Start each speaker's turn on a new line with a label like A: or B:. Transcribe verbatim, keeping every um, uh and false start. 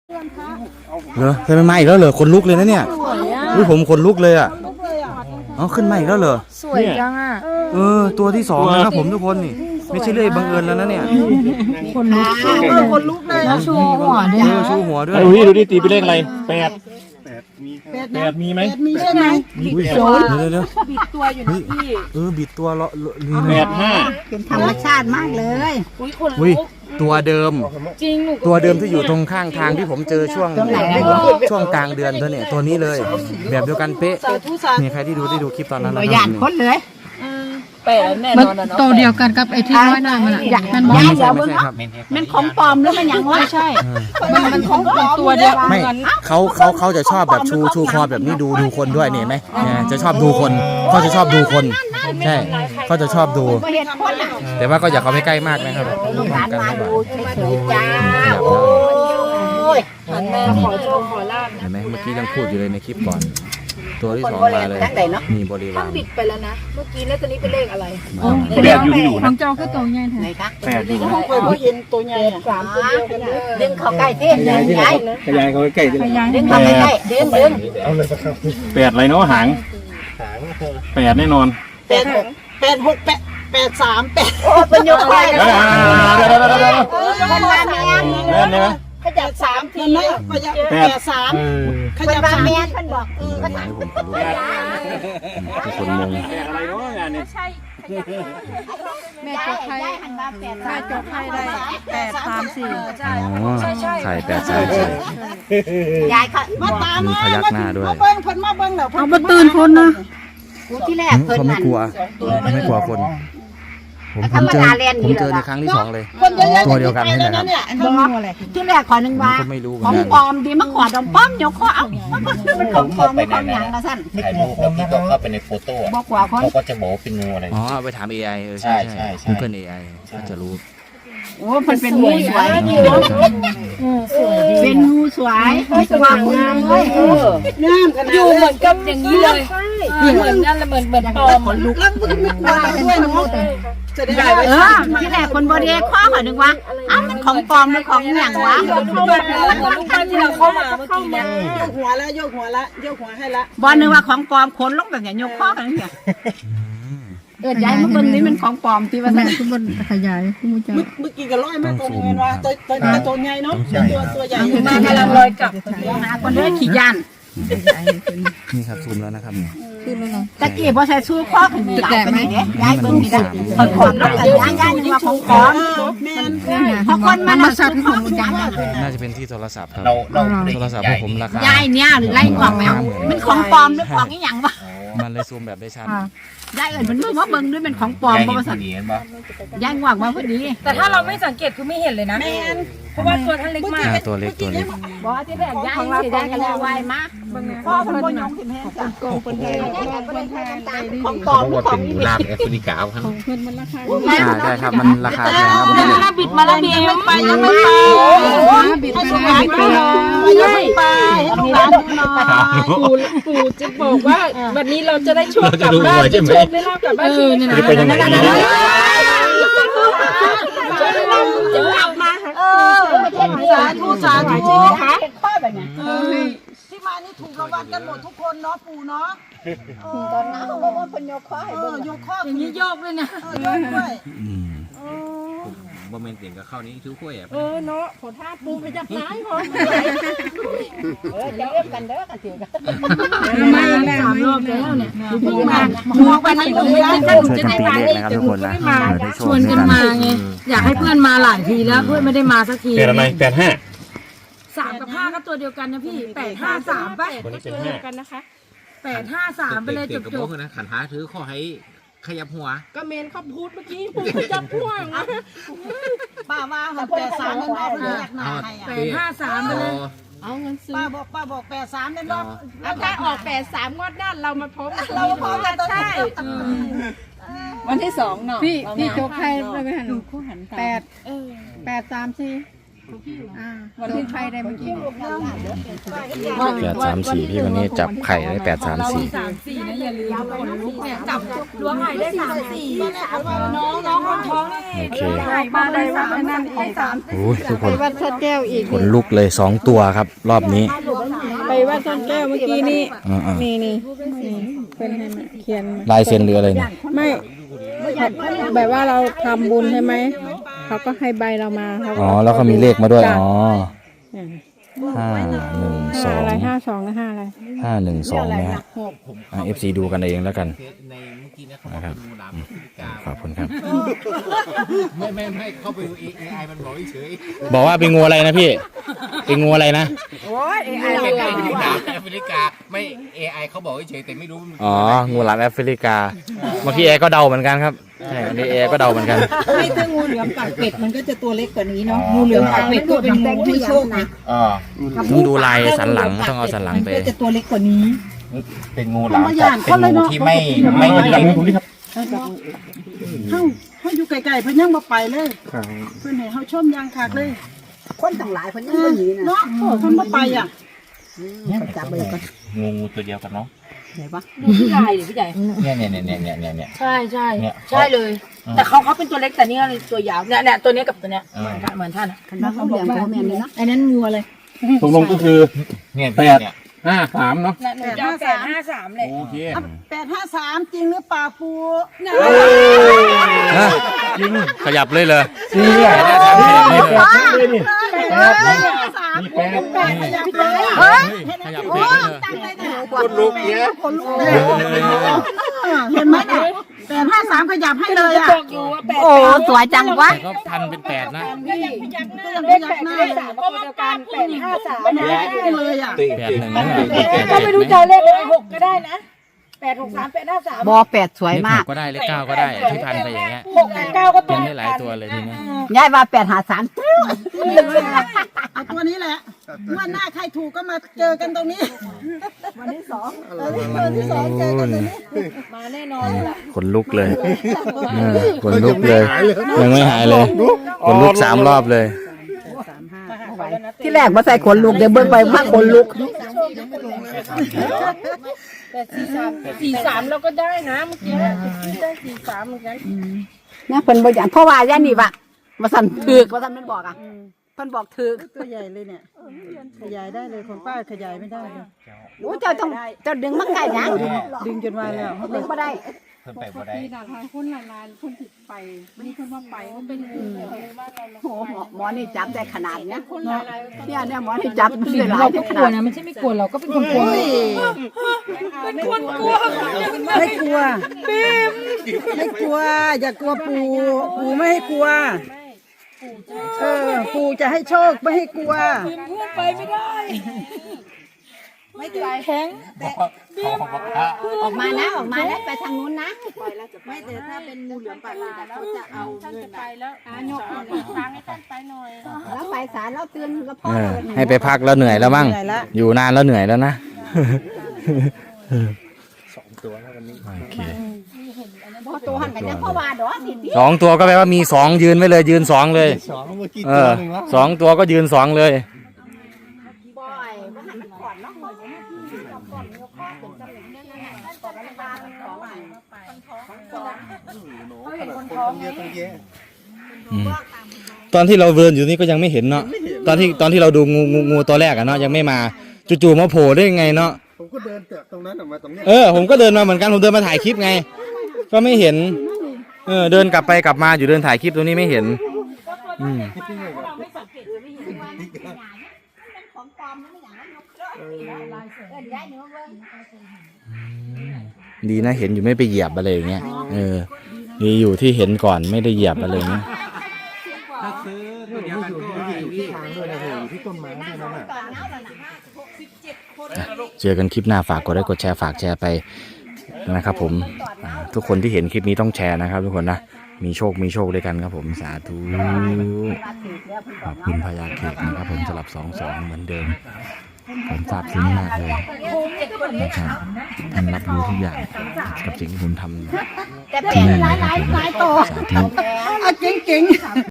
A: เหรอเคยมาอีกแล้วเหรอคนลุกเลยนะเนี่ยอุ้ยผมคนลุกเลยอ่ะอ๋อขึ้นมาอีกแล้วเหรอ
B: สวยจังอ่ะ
A: เออตัวที่สองนะครับผมทุกคนนี่ไม่ใช่เรื่องบังเอิญแล้วนะเนี่ย
B: คนลุกคนลุกเลยแล้วชูหัวด้วย
A: ชูหัวด้วย
C: ดูดิดูดิตีไปเลขอะไรแปดแปดมีไหม
B: มีใช่ไหม
A: บิด
B: ตัว
A: เดี๋ยวเดี๋ยว
B: บิดตัวอยู่นะพี่
A: เออบิดตัวเลาะ
C: แปดห้า
B: เป็นธรรมชาติมากเลย
A: อุ้ยคนลุกตัวเดิมจริงตัวเดิมที่อยู่ตรงข้างทางที่ผมเจอช่วงช่วงกลางเดือนตัวเนี่ยตัวนี้เลยแบบเดียวกันเป๊ะมีใครที่ดูได้ดูคลิปตอนนั้นแล้ว
B: หยาดพ้นเลย
D: เป๊ะแน่นอนนะเนาะ
B: ตัวเดียวกันกับไอ้ที่น้อยหน่อยมันอยากมัน
A: ไม่ใช่ไม่ใช่ครับ
B: มันของปลอมหรือมันอย่างวะใช่มันมันของปลอมตัวเดียว
A: ไม่เขาเขาเขาจะชอบแบบชูชูคอแบบนี้ดูดูคนด้วยเนี่ยไหมจะชอบดูคนเขาจะชอบดูคนใช่เขาจะชอบดูแต่ว่าก็อย่าเขาไม่ใกล้มากนะครับดูพร้อมกันไม่ไหวเห็นไหมเมื่อกี้ยังพูดอยู่เลยในคลิปก่อนตัวที่สองมาเลยมีบริวาร
D: บิดไปแล้วนะเมื่อกี้แล้วตอนนี้เป็นเลขอะไร
C: แปดอยู่ที่อยู่
B: ของเจ้าก็ตัวใหญ่แท้
C: แปดอยู่
D: ของเคยเห็นตัวใหญ่สามตัวเดียวกัน
B: ดึงเขาใกล้เท่ดึงใหญ่
C: ขยายเขาใกล้
B: ดึงเขาใกล้ดึงดึง
C: แปดอะไรเนาะหางแปดแน่นอน
D: แปดหกแปดหกแปดแปดสามแปด
B: โอ้เป็นยกไป
C: เดี๋ยวเดี๋ยวเดี๋ยวเดี๋ยว
B: มันมาแม่
C: เล่นเนี่ย
D: ขยับสามทีนะแปดสาม
B: ขยับสามแม่ท่านบอกเออก็ถาม
A: ทุกคนมอง
C: อะไรเนาะงานนี้
B: แม่จกไข่แม่จกไข่ได้แปดสามสี่
A: อ๋อไข่แปดสามสี่
B: ยายเขา
D: มาตาม
A: มีพยักหน้าด้วย
D: มาเบิ้งเพิ่นมาเบิ้งเดี๋ยว
B: เอามาตื่นคนนะ
A: ที่แรกเขาไม่กลัวไม่กลัวคนผมผมเจอผมเจอในครั้งที่สองเลยตัวเดียวกันนี่แหละครับ
B: ที่แรกขอหนึ่งว่าของปลอมดีมาขอดอมป้อมเดี๋ยวขอเอามันของปลอมไม่ของอย่างนะสั้น
E: ถ่ายรูปแล้วพี่ก็เข้าไปในโฟโต้
B: บอกว่า
E: เขาก็จะบอกเป็นงูอะไร
A: อ๋อไปถาม เอ ไอ เออใช่ใช่ใช่เพื่อน เอ ไอ ก็จะรู้
B: โอ้มันเป็นงูสวยเป็นงูสวยสว่างงามเลย
D: งามขนาด
B: อยู่เหมือนกับอย่างนี้เลย
D: เหมือนนั่นแหละเหมือนเหมือนปลอมลุกแล้วมันไม่กลัวด้วยเนาะจะได้ไว้
B: เออที่แรกคนบริเวณข้อขอนึกว่าอ้าวมันของปลอมหรือของอย่างวะ
D: เข้ามาแล้วลูกที่เราเข้ามาเมื่อกี้เนี่ยโยกหัวแล้วโยกหัวละโยกหัวให้ละ
B: บอลนึกว่าของปลอมขนลงแบบอย่างยกข้อกันเนี่ยเออย้ายมาเบิ้งนี่มันของปลอมที่ว่าแม่ทุกคนขยายคุณผู้ชม
D: เมื่อกี้ก็ร้อยมาตัวเงินว่าตัวตัวตัวใหญ่เนาะตัวตัวใหญ่
B: มากำลังลอยกลับหาคนเด้อขี่ยัน
A: นี่ครับซูมแล้วนะครับเนี่ย
B: ตะกี้พอใช้สู้ข้อขึ้นมีหลายคนเนี่ยย้ายเบิ้งนี่ได้คนขอนแล้วย้ายย้ายนี่ว่าของปลอมเพราะคนมันมาสัตว์ของมันจัง
A: น่าจะเป็นที่โทรศัพท์ครับโทรศัพท์ผมราคา
B: ย้ายเนี่ยหรือไล่กล่องแมวมันของปลอมหรือของนี่อย่างวะ
A: มันเลยซูมแบบได้ชัด
B: ย้ายเอิญมันว่าเบิ้งด้วยเป็นของปลอมเพราะว่าสัตว์ย้ายหวังว่าพอดี
D: แต่ถ้าเราไม่สังเกตคือไม่เห็นเลยนะเพราะว่าตัวท่านเล็กมาก
A: ตัวเล็กตัวเล็ก
B: บอกที่แรกย้ายสีแดงกันแล้วไวมากพ่อคนบนยงถิ่นแห้งจ้ะกองคนเดียวของปลอมของ
E: งูลาบแอฟริกาครับ
B: ของเพื่อนมันราคา
A: ใช่ครับมันราคาแพงครับ
B: มันบิดมาแล้วบิดไม่ไปยังไม่ไปบิดไปแล้วบิดไปแล้ว
D: ยังไม่ไปปู่ปู่จะบอกว่าวันนี้เราจะได้โชคกลับบ้านจะโชคได้ลาบกลับบ้านคือ
C: จะไปยังไง
D: จะกลับมาเออสาธุสาธุค่ะที่มานี่ถูกรางวัลกันหมดทุกคนเนาะปู่เนาะ
B: ตอนนั้นเขาบอกว่าเป็นโยกข้อให้เบิ่ง
D: โยกข้อ
B: อย่างนี้โยกด้วยนะ
D: โยกด้วย
E: โมเมนต์เสียงกับเข้านี้ทุกขั้วอ่ะ
D: เออเนาะขอท่าปูไปจับน้ำก่อน
B: เออจะเรียกกันเด้อกันเถียงกันมาแล้วสามรอบแล้วเนี่ยมาหมูไปทางอื่น
A: ท่านจะได้มาได้ทุกคนนะ
B: ชวนกันมาไงอยากให้เพื่อนมาหลายทีแล้วเพื่อนไม่ได้มาสักที
C: แปดอะไรแปดห้า
B: สามกับห้าก็ตัวเดียวกันนะพี่แปดห้าสามป่ะ
D: ก็ตัวเดียวกันนะคะ
B: แปดห้าสามไปเลยจบจบ
E: นะขันท้าถือข้อให้ขยับหัว
D: ก็เมนเขาพูดเมื่อกี้พูดขยับหัวนะป้าว่าเขาแปดสามเงินรอบเลยอยากหนาให้
B: แปดห้าสามไปเลย
D: เอาเงินซื้อป้าบอกป้าบอกแปดสามเงินรอบแล้วถ้าออกแปดสามงวดหน้าเรามาพบเราพบกันใช่วันที่สองเนาะ
B: พี่พี่โจ๊กใครไปหันแปดแปดสามสี่วันที่ใครได้เมื่อกี้
A: แปดสามสี่พี่วันนี้จับไข่ได้แปดสามสี่
B: สามสี่นะอย่าลืมคนลุกเนี่ยจับล้วงไข่ได้สามสี่น้องน้องคนท้อง
A: โอเค
B: ไข่มาได้ว่านั่นอีกสาม
A: โอ้ยทุกคน
B: วัดสะแก้วอีก
A: ขนลุกเลยสองตัวครับ รอบนี้
B: ไปวัดสะแก้วเมื่อกี้นี่
A: อ่า
B: นี่นี่นี่เป็นให้มาเขียน
A: ๆลายเซ็นหรืออะไรเนี่ย
B: ไม่แบบว่าเราทำบุญใช่ไหมเขาก็ให้ใบเรามาเขา
A: อ๋อแล้วก็มีเลขมาด้วยอ๋อ
B: อืม
A: ห้าหนึ่งส
B: ห้า
A: อง
B: อะไรห้าสองนะห้าอะไร
A: ห้าหนึ่งสองนะฮะเอฟซีดูกันเองแล้วกัน
E: ในเมื่อกี้นะเขาบ
A: นะ
E: อก
A: ครับ
E: เป็นงูหลาม
A: อืม
E: แอฟริกา
A: ขอบคุณครับ
E: ไม่ไม่ไม่เข้าไปดูเอไอมันบอกเฉย
A: บอกว่าเป็นงูอะไรนะพี่ เป็นงูอะไรนะ
E: ๆเป็นงูหลามแอฟริกาไม่เอไอเขาบอกเฉยๆแต่ไม่รู้มัน
A: อ๋อ งูหลามแอฟริกาเมื่อกี้แอร์ก็เดาเหมือนกันครับ ใช่อันนี้แอร์ก็เดาเหมือนกัน
D: ไม่ถ้างูเหลือมปากเป็ดมันก็จะตัวเล็กกว่านี้เนาะงูเหลือมปากเป็ดก็เป็นงูให้โชคนะ
E: อ่า
A: ต้องดูลายสันหลังต้องเอาสันหลังไป
D: มันก็จะตัวเล็กกว่านี้
E: เป็นงูหลามแต่เป็นงูที่ไม่ไม่
C: จับ
E: เล็ก
C: มือผมดิครับ
D: เฮาเฮาอยู่ไกลๆเพิ่นยังบ่ไปเลยเพิ่นให้เฮาชมยางคักเลย
B: คนต่างหลายคนยังไม่หนีนะ
D: เนาะเพิ่นบ่ไปอ่ะ
B: จับไปก่อน
E: งูงูตัวเดียวกันเนาะ
F: พี่ใหญ่ดิพี่ใหญ่
E: เนี่ยเนี่ยเนี่ยเนี่ยเนี่ยเนี่ย
F: ใช่ใช่
E: เนี่ย
F: ใช่เลย แต่เขาเขาเป็นตัวเล็กแต่นี่ตัวยาวเนี่ยเนี่ยตัวเนี้ยกับตัวเนี้ยเหมือนกันเหมือนท่านอะ
B: คันว่าเขาเลี้ยงเขาแม่นเลยนะ
F: อันนั้นงัวเลย
C: ตกลงก็คือ
E: เนี่ย
C: แปด
E: เนี่ย
C: ห้าสามเนาะ
F: หนูจะเอาแปดห้าสามเลย
C: โอเค
D: แปดห้าสามจริงหรือเปล่าปู
A: ฮะขยับเลยเลย
C: สี่อ่ะ
A: แปดห้าสามสี่เลย
C: นี่
D: แปดห้าสาม
C: นี่แปด
D: แปดขยับเลย
A: เฮ้ยขยับเพลงเลย
D: ตั้งใจแต่คนลุกเนี้ยคนลุกเลยเห็นไหมเนี่ยแปดห้าสามขยับให้เลยอ่ะ
F: บอกอยู่ว่าแปด
B: โอ้สวยจังวะ
A: แต่ก็พันเป็นแปดนะ
D: ก็ยังพยักหน้า
F: เลขแปดเลขสามก็เดียวกันแปดห้าสาม
D: ไม่ได้เลยอ่ะ
A: แปดหนึ่งนะแปด
F: ก็ไม่รู้จะเอาเลขอะไรหกก็ได้นะแปดหกสามแปดห้าสาม
B: บอแปดสวย
A: เลขห
B: มาก
A: กก็ได้เลขเก้าก็ได้ที่พันไปอย่างเงี้ย
F: หกกับเก้าก็ตั
A: เป็
F: วน
A: ได้หลายตัวเลยทีนี้
B: ยายว่าแปดหาสาม
D: เอาตัวนี้แหละวันหน้าใครถูกก็มาเจอกันตรงนี้วันที่สองวันที่สองเจอกันตรงนี้
F: มาแน่นอนเลยล่ะ
A: ขนลุกเลยเออขนลุกเลย ยังไม่หายเลยขนลุกสามรอบเลย
B: ที่แรกมาใส่ขนลุกเดี๋ยวเบิ่งไปว่าขนลุก
F: แต่สี่สามสี่สามเราก็ได้นะเมื่อกี้ได้สี่สามเหมือนกัน
B: เนี่ยเพิ่นบ่อยากเพราะว่าย่านี่ว่ะมาสั่นถึกว่าสั่นมันบอกอ่ะเพิ่นบอกถึก
D: ตัวใหญ่เลยเนี่ยขยายได้เลยของป้าขยายไม่ได้เลย
B: โอ้เจ้าต้องเจ้าดึงมาใกล้ยัง
D: ดึงจนวายแล้ว
B: ดึงบ่ได้
E: เพิ่มไปบ่ได้
B: คนละลานคนติดไปมีคนว่าไปก็เป็นโอ้หมอหมอนี่จับได้ขนาดเนี้ยเนี่ยเนี่ยหมอนี่จับได้หลาย
F: เรา
B: ได้
F: ก็
B: ข
F: กลัว
B: นาด
F: นะไม่ใช่ไม่กลัวเราก็เป็นคนกลัว
D: เป็นคนกลัวไม่กลัวไม่กลัว อย่ากลัวปูปูไม่ให้กลัวเออปูจะให้โชคไม่ให้กลัว
F: ไปไม่ได้ไม่ไกลแข็ง
B: ออกมานะออกมานะไปทางนู้นนะ
D: ไม่แต่ถ้าเป็นงูเหลือมปากเป็ดเขาจะเอาเงิน
F: ไปแล้วอ่ะยกทางให้ท่านไปหน่อย
B: แล้วไปศาลแล้วเตือนก็พอ
A: เออให้ไปพักแล้วเหนื่อยแล้วมั้งอยู่นานแล้วเหนื่อยแล้วนะโอเค
B: พอตัวหันกันยังพ่อว่าดอกสิ
A: สองตัวก็แปลว่ามีสองยืนไว้เลยยืนสองเลยเออสองตัวก็ยืนสองเลย
B: บ่อยบ่หันก่อนเนาะก่อนก่อนยกข้อเป็นจำเลยเนี่ยนั่นต่อกันบานของใหม่เขาเห็นคนท้องไง
A: อืมตอนที่เราเดินอยู่นี่ก็ยังไม่เห็นเนาะตอนที่ตอนที่เราดูงูงูงูตัวแรกอะเนาะยังไม่มาจู่ๆมาโผล่ได้ยังไงเนาะ
G: ผมก็เดินจากตรงนั้นออกมาตรงนี้
A: เออผมก็เดินมาเหมือนกันผมเดินมาถ่ายคลิปไง ก็ไม่เห็นเออเดินกลับไปกลับมาอยู่เดินถ่ายคลิปตรงนี้ไม่เห็นอืม
B: ของปลอมนั่นอย่างนั้นยกเครื่องเออได้เนื้อเว้ย
A: ดีนะเห็นอยู่ไม่ไปเหยียบอะไรอย่างเงี้ยเออดีอยู่ที่เห็นก่อนไม่ได้เหยียบอะไรเงี้ย
E: ถ้าซื้อตัวเดียวกันก็ไอ้นี่
G: ทางด้วยนะผมอยู่ที่ต้นไม้ด้วยนั่นน่ะ
A: เจอกันคลิปหน้าฝากกดไลค์กดแชร์ฝากแชร์ไปนะครับผมอ่าทุกคนที่เห็นคลิปนี้ต้องแชร์นะครับทุกคนนะมีโชคมีโชคด้วยกันครับผมสาธุขอบคุณพญาเขตนะครับผมสลับสองสองเหมือนเดิมผมซาบซึ้งมากเลยนะครับท่านรับรู้ทุกอย่างกับสิ่งที่ผมทำ
B: แต่เป็นหลายหลายหลายตัว
A: สาธุ
D: อ่ะเก่งๆ